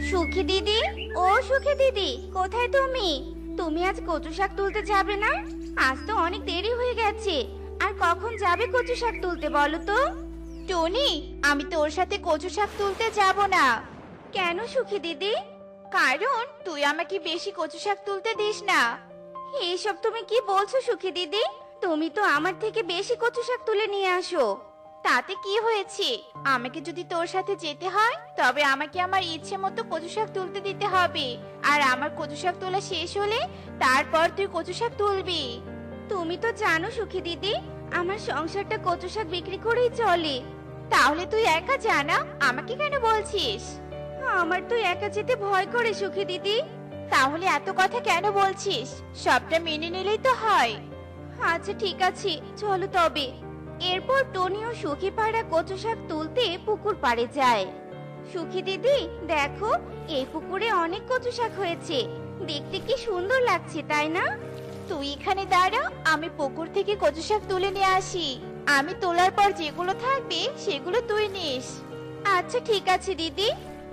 সুখী দিদি, ও সুখী দিদি, কোথায় তুমি? তুমি আজ কচু শাক তুলতে যাবে না? আজ তো অনেক দেরি হয়ে গেছে। আর কখন যাবে কচু শাক তুলতে বলো তো? টনি, আমি তোর সাথে কচু শাক তুলতে যাব না। কেন সুখী দিদি? কারণ তুই আমাকে বেশি কচু শাক তুলতে দিস না। এইসব তুমি কি বলছো সুখী দিদি? তুমি তো আমার থেকে বেশি কচু শাক তুলে নিয়ে আসো। তাতে কি হয়েছে? আমাকে যদি তোর সাথে যেতে হয় তবে আমাকে আমার ইচ্ছে মতো কচু শাক তুলতে দিতে হবে। আর আমার কচু শাক তোলা শেষ হলে তারপর তুই কচু শাক তুলবি। তুমি তো জানো সুখী দিদি, আমার সংসারটা কচু শাক বিক্রি করেই চলে। তাহলে তুই একা জানা, আমাকে কেন বলছিস? আমার তো একা যেতে ভয় করে সুখী দিদি। তাহলে এত কথা কেন বলছিস? সবটা মেনে নিলেই তো হয়। আচ্ছা ঠিক আছে, চলো তবে। এরপর টনি ও সুখী পায়রা কচু শাক তুলতে পুকুর পাড়ে যায়। সুখী দিদি দেখো, এই পুকুরে অনেক কচু শাক হয়েছে। দেখতে কি সুন্দর লাগছে তাই না? তুই এখানে দাঁড়া, আমি পুকুর থেকে কচু শাক তুলে নিয়ে আসি। আমি তোলার পর যেগুলো থাকবে সেগুলো তুই নিস। আচ্ছা ঠিক আছে দিদি।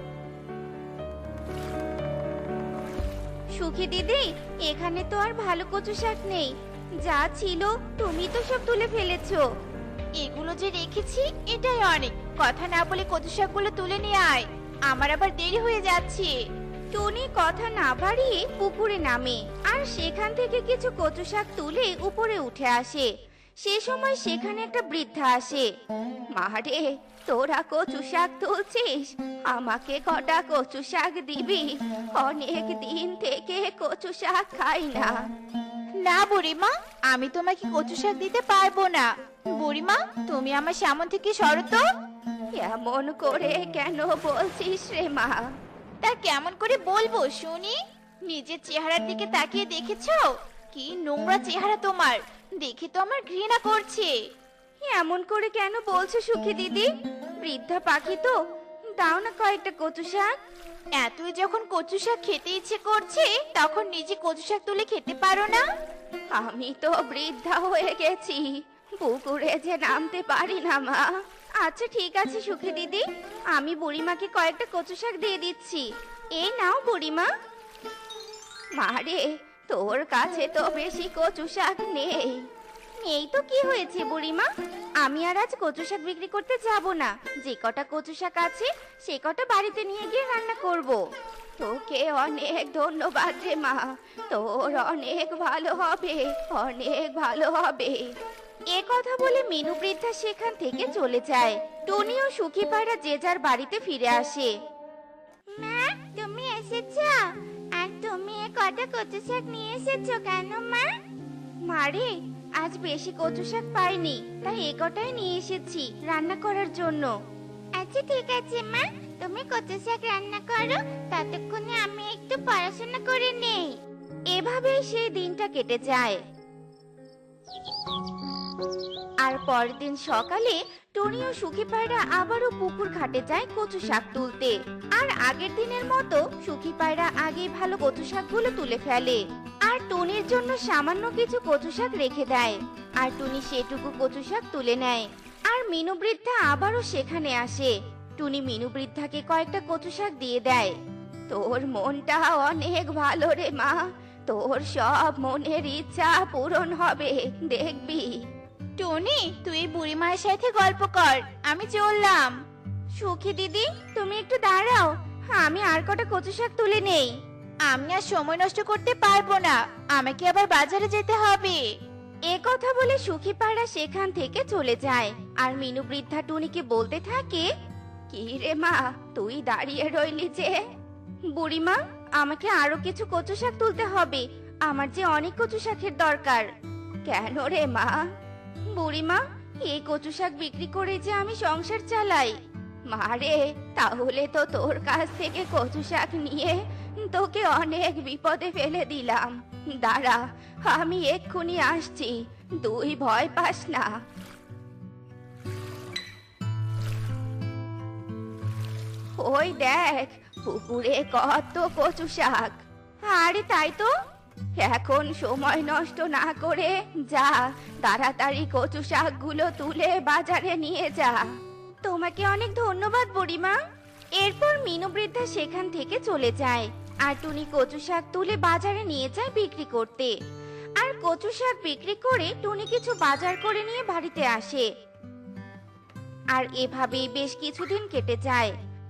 সুখী দিদি, এখানে তো আর ভালো কচু শাক নেই। যা ছিল তুমি তো সব তুলে ফেলেছো। এগুলো যে রেখেছি এটাই অনেক। কথা না বলে কচু শাকগুলো তুলে নিয়ে আয়, আমার আবার দেরি হয়ে যাচ্ছে। টনি কথা না বাড়িয়ে পুকুরে নামে আর সেখান থেকে কিছু কচু শাক তুলে উপরে উঠে আসে। সে সময় সেখানে একটা বৃদ্ধা আসে। মারে, তোরা কচু শাক তুলছিস? আমাকে কটা কচু শাক দিবি? অনেক দিন থেকে কচু শাক খাই না। না বুড়িমা, আমি তোমাকে কচু শাক দিতে পারবো না। বুড়িমা, তুমি আমার সামনে থেকে সরো তো। এমন করে কেন বলছিস রে মা? তা কেমন করে বলবো শুনি? নিজের চেহারার দিকে তাকিয়ে দেখেছো? কি নোংরা চেহারা তোমার, দেখে তো আমার ঘৃণা করছে। এমন করে কেন বলছো সুখী দিদি? বৃদ্ধা পাখি তো, দাও না কয়েকটা কচু শাক। এতই যখন কচু শাক খেতে ইচ্ছে করছে তখন নিজে কচু শাক তুলে খেতে পারো না? আমি তো বৃদ্ধা হয়ে গেছি, পুকুরে যে নামতে পারি না মা। আচ্ছা ঠিক আছে সুখী দিদি, আমি বুড়িমাকে কয়েকটা কচু শাক দিয়ে দিচ্ছি। এই নাও বুড়িমা। মারে, তোর কাছে তো বেশি কচু শাক নেই। এই তো কি হয়েছে বুড়িমা, আমি আর আজ কচু শাক বিক্রি করতে যাব না। যে কটা কচু শাক আছে সে কটা বাড়িতে নিয়ে গিয়ে রান্না করব। তোকে অনেক ধন্যবাদ রে মা, তোর অনেক ভালো হবে, অনেক ভালো হবে। এ কথা বলে মিনু বৃদ্ধা সেখান থেকে চলে যায়। টনি ও সুখী পায়রা যে যার বাড়িতে ফিরে আসে। মা, তুমি এসেছো? আর তুমি এ কটা কচু শাক নিয়ে এসেছো কেন মা? মারে, আজ বেশি কচু শাক পাইনি, তাই এ কটাই নিয়ে এসেছি রান্না করার জন্য। আচ্ছা ঠিক আছে মা, তুমি কচু শাক রান্না করো, ততক্ষণে আমি একটু পড়াশোনা করে নেই। এভাবেই সেই দিনটা কেটে যায়। আর পরের দিন সকালে টনি ও সুখী পায়রা আবারও পুকুর ঘাটে যায় কচু শাক তুলতে। আর আগের দিনের মতো সুখী পায়রা আগেই ভালো কচু শাকগুলো তুলে ফেলে আর টনির জন্য সামান্য কিছু কচু শাক রেখে দেয়। আর টুনি সেটুকু কচু শাক তুলে নেয়। আর মিনু বৃদ্ধা আবারও সেখানে আসে। টুনি মিনু বৃদ্ধাকে কয়েকটা কচু শাক দিয়ে দেয়। তোর মনটা অনেক ভালো রে মা, তোর সব মনের ইচ্ছা পূরণ হবে দেখবি। টনি, তুই বুড়ি মায়ের সাথে গল্প কর, আমি চললাম। সুখী দিদি তুমি একটু দাঁড়াও, আমি আর কটা কচু শাক তুলে নেই। আমি আর সময় নষ্ট করতে পারবো না, আমাকে আবার বাজারে যেতে হবে। এ কথা বলে সুখী পায়রা সেখান থেকে চলে যায়। আর মিনু বৃদ্ধা টুনিকে বলতে থাকে, কি রে মা, তুই দাঁড়িয়ে রইলি যে? বুড়িমা, আমাকে আরো কিছু কচু শাক তুলতে হবে, আমার যে অনেক কচু শাকের দরকার। কেন রে মা? বুড়িমা, এই কচু শাক বিক্রি করে যে আমি সংসার চালাই। মারে, তাহলে তো তোর কাছ থেকে কচু শাক নিয়ে তোকে অনেক বিপদে ফেলে দিলাম। দাঁড়া, আমি এক্ষুনি আসছি, তুই ভয় পাস না। ওই দেখ, পুকুরে কত কচু শাক। আরে তাই তো, এখন সময় নষ্ট না করে যা, তাড়াতাড়ি কচু শাকগুলো তুলে বাজারে নিয়ে যা। তোমাকে অনেক ধন্যবাদ বুড়িমা। এরপর মিনু বৃদ্ধা সেখান থেকে চলে যায় আর টুনি কচু শাক তুলে বাজারে নিয়ে যায় বিক্রি করতে। আর কচু শাক বিক্রি করে টুনি কিছু বাজার করে নিয়ে বাড়িতে আসে। আর এভাবেই বেশ কিছুদিন কেটে যায়।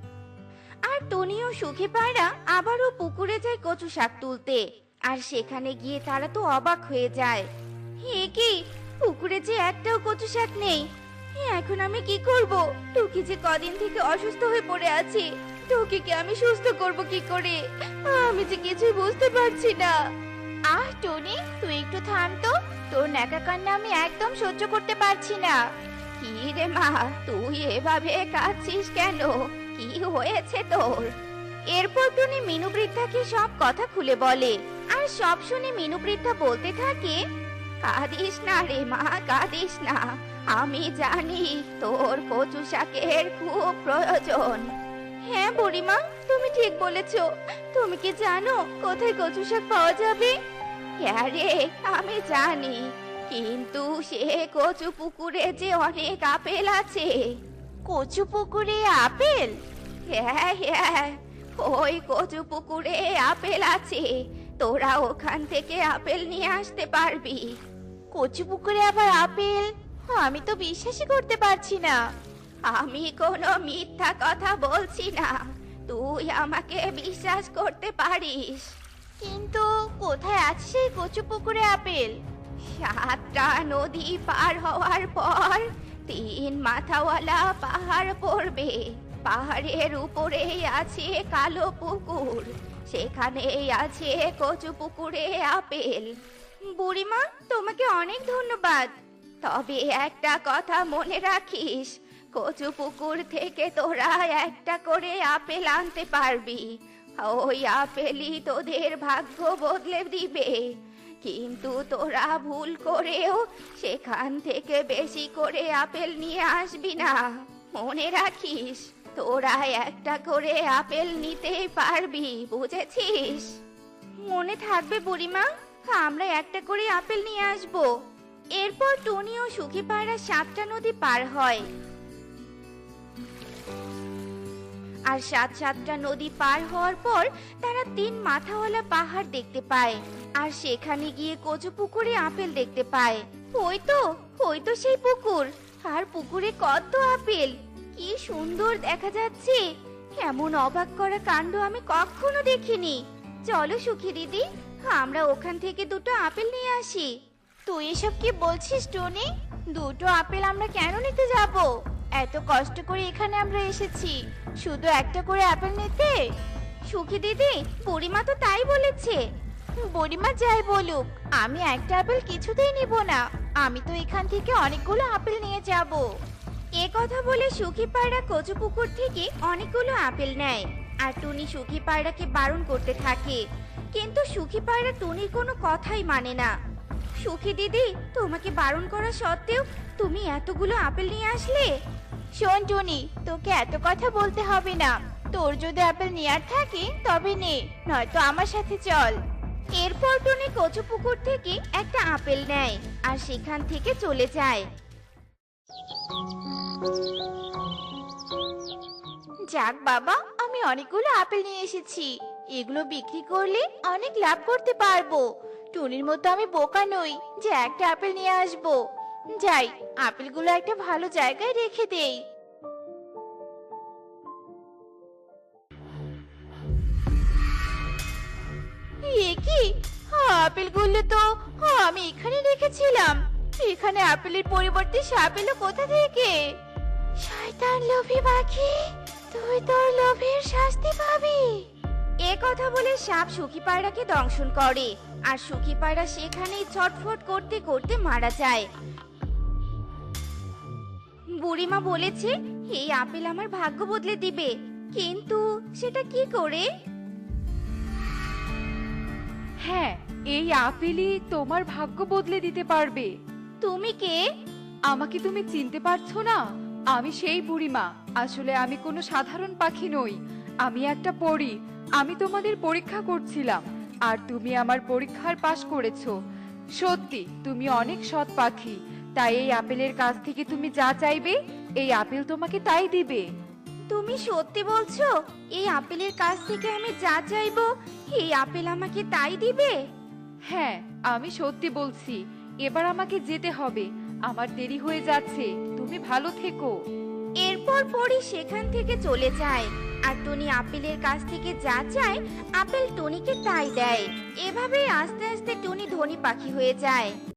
আর টুনি ও সুখী পায়রা আবারও পুকুরে যায় কচু শাক তুলতে। আর সেখানে গিয়ে তারা তো অবাক হয়ে যায়। হে কি, পুকুরে যে একটাও কচু শাক নেই। এখন আমি কি করব? টুকি যে কদিন থেকে অসুস্থ হয়ে পড়ে আছে, টুকিকে আমি সুস্থ করব কি করে? আমি যে কিছুই বুঝতে পারছি না। আহ টনি, তুই একটু থাম তো। তোর ন্যাকা কান্না আমি একদম সহ্য করতে পারছি না। কি রে মা, তুই এভাবে কাঁদছিস কেন? কি হয়েছে তোর? এরপর টুনি মিনু বৃদ্ধাকে সব কথা খুলে বলে। আর সব শুনে মিনু বৃদ্ধা বলতে থাকে, কাঁদিস না রে মা, কাঁদিস না। আমি জানি তোর কচু শাকের খুব প্রয়োজন। হ্যাঁ বুড়িমা, তুমি ঠিক বলেছো। তুমি কি জানো কোথায় কচু শাক পাওয়া যাবে? হ্যাঁ রে, আমি জানি, কিন্তু সে কচু পুকুরে যে অনেক আপেল আছে। কচু পুকুরে আপেল? হ্যাঁ হ্যাঁ, ওই কচু পুকুরে আপেল আছে। তোরা ওখান থেকে আপেল নিয়ে আসতে পারবি। কচু পুকুরে আবার আপেল? আমি তো বিশ্বাসই করতে পারছি না। আমি কোনো মিথ্যা কথা বলছি না, তুই আমাকে বিশ্বাস করতে পারিস। কিন্তু কোথায় আছে সেই কচু পুকুরে আপেল? 7টা নদী পার হওয়ার পর 3 মাথাওয়ালা পাহাড় পড়বে। পাহাড়ের উপরেই আছে কালো পুকুর, সেখানেই আছে কচু পুকুরে আপেল। বুড়িমা, তোমাকে অনেক ধন্যবাদ। তবে একটা কথা মনে রাখিস, কচু পুকুর থেকে তোরা একটা করে আপেল আনতে পারবি। ওই আপেলই তোদের ভাগ্য বদলে দিবে। কিন্তু তোরা ভুল করেও সেখান থেকে বেশি করে আপেল নিয়ে আসবি না। মনে রাখিস, তোরা একটা করে আপেল নিতেই পারবি, বুঝেছিস? মনে থাকবে বুড়িমা, আমরা একটা করে আপেল নিয়ে আসবো। এরপর টুনি ও সুখী পায়রা 7টা নদী পার হয়। আর 7টা নদী পার হওয়ার পর তারা 3 মাথাওয়ালা পাহাড় দেখতে পায়। আর সেখানে গিয়ে কচু পুকুরে আপেল দেখতে পায়। ওই তো সেই পুকুর। আর পুকুরে কত আপেল, কি সুন্দর দেখা যাচ্ছে। এমন অবাক করা কাণ্ড আমি কখনো দেখিনি। চলো সুখী দিদি, আমরা ওখান থেকে 2টো আপেল নিয়ে আসি। তুই এসব কি বলছিস টনি? 2টো আপেল আমরা কেন নিতে যাব? এত কষ্ট করে এখানে আমরা এসেছি শুধু একটা করে আপেল নিতে। সুখী দিদি, বুড়িমা তো তাই বলেছে। বুড়িমা যাই বলুক, আমি একটা আপেল কিছুতেই নিব না। আমি তো এখান থেকে অনেকগুলো আপেল নিয়ে যাব। এ কথা বলে সুখী পায়রা কচু পুকুর থেকে অনেকগুলো আপেল নেয়। আর টুনি সুখী পায়রাকে বারণ করতে থাকে, কিন্তু সুখী পায়রা টুনির কোনো কথাই মানে না। সুখী দিদি, তোমাকে বারণ করা সত্ত্বেও তুমি এতগুলো আপেল নিয়ে আসলে। শোন টনি, তোকে এত কথা বলতে হবে না। তোর যদি আপেল নেয়ার থাকে তবে নে, নয়তো আমার সাথে চল। এরপর টুনি কচু পুকুর থেকে একটা আপেল নেয় আর সেখান থেকে চলে যায়। যাক বাবা, আমি অনেকগুলো আপেল নিয়ে এসেছি। এগুলো বিক্রি করলে অনেক লাভ করতে পারবো। টুনির মতো আমি বোকা নই যে একটা আপেল নিয়ে আসবো। যাই, আপেলগুলো একটা ভালো জায়গায় রেখে দেই। এ কি, আপেলগুলো তো আমি এখানে রেখেছিলাম। এখানে আপেলের পরিবর্তে সাপ এলো কোথা থেকে? শয়তান লোভী পাখি, তুই তোর লোভের শাস্তি পাবি। এ কথা বলে সাপ সুখী পায়রাকে দংশন করে। আর সুখী পায়রা সেখানেই ছটফট করতে করতে মারা যায়। বুড়িমা বলেছে এই আপেল আমার ভাগ্য বদলে দিবে, কিন্তু সেটা কি করে? হ্যাঁ, এই আপেলই তোমার ভাগ্য বদলে দিতে পারবে। তুমি কে? আমাকে তুমি চিনতে পারছো না? আমি সেই বুড়িমা। আসলে আমি কোনো সাধারণ পাখি নই, আমি একটা পরী। আমি তোমাদের পরীক্ষা করছিলাম, আর তুমি আমার পরীক্ষার পাশ করেছো। সত্যি তুমি অনেক সৎ পাখি, তাই এই আপেলের কাছ থেকে তুমি যা চাইবে এই আপেল তোমাকে তাই দিবে। তুমি সত্যি বলছো? এই আপেলের কাছ থেকে আমি যা চাইবো এই আপেল আমাকে তাই দিবে? হ্যাঁ, আমি সত্যি বলছি। এবার আমাকে যেতে হবে, আমার দেরি হয়ে যাচ্ছে। তুমি ভালো থেকো। এরপর পরি সেখান থেকে চলে যায় আর টনি আপেলের কাছ থেকে যা চায় আপেল টনিকে তাই দেয়। এভাবেই আস্তে আস্তে টনি ধনী পাখি হয়ে যায়।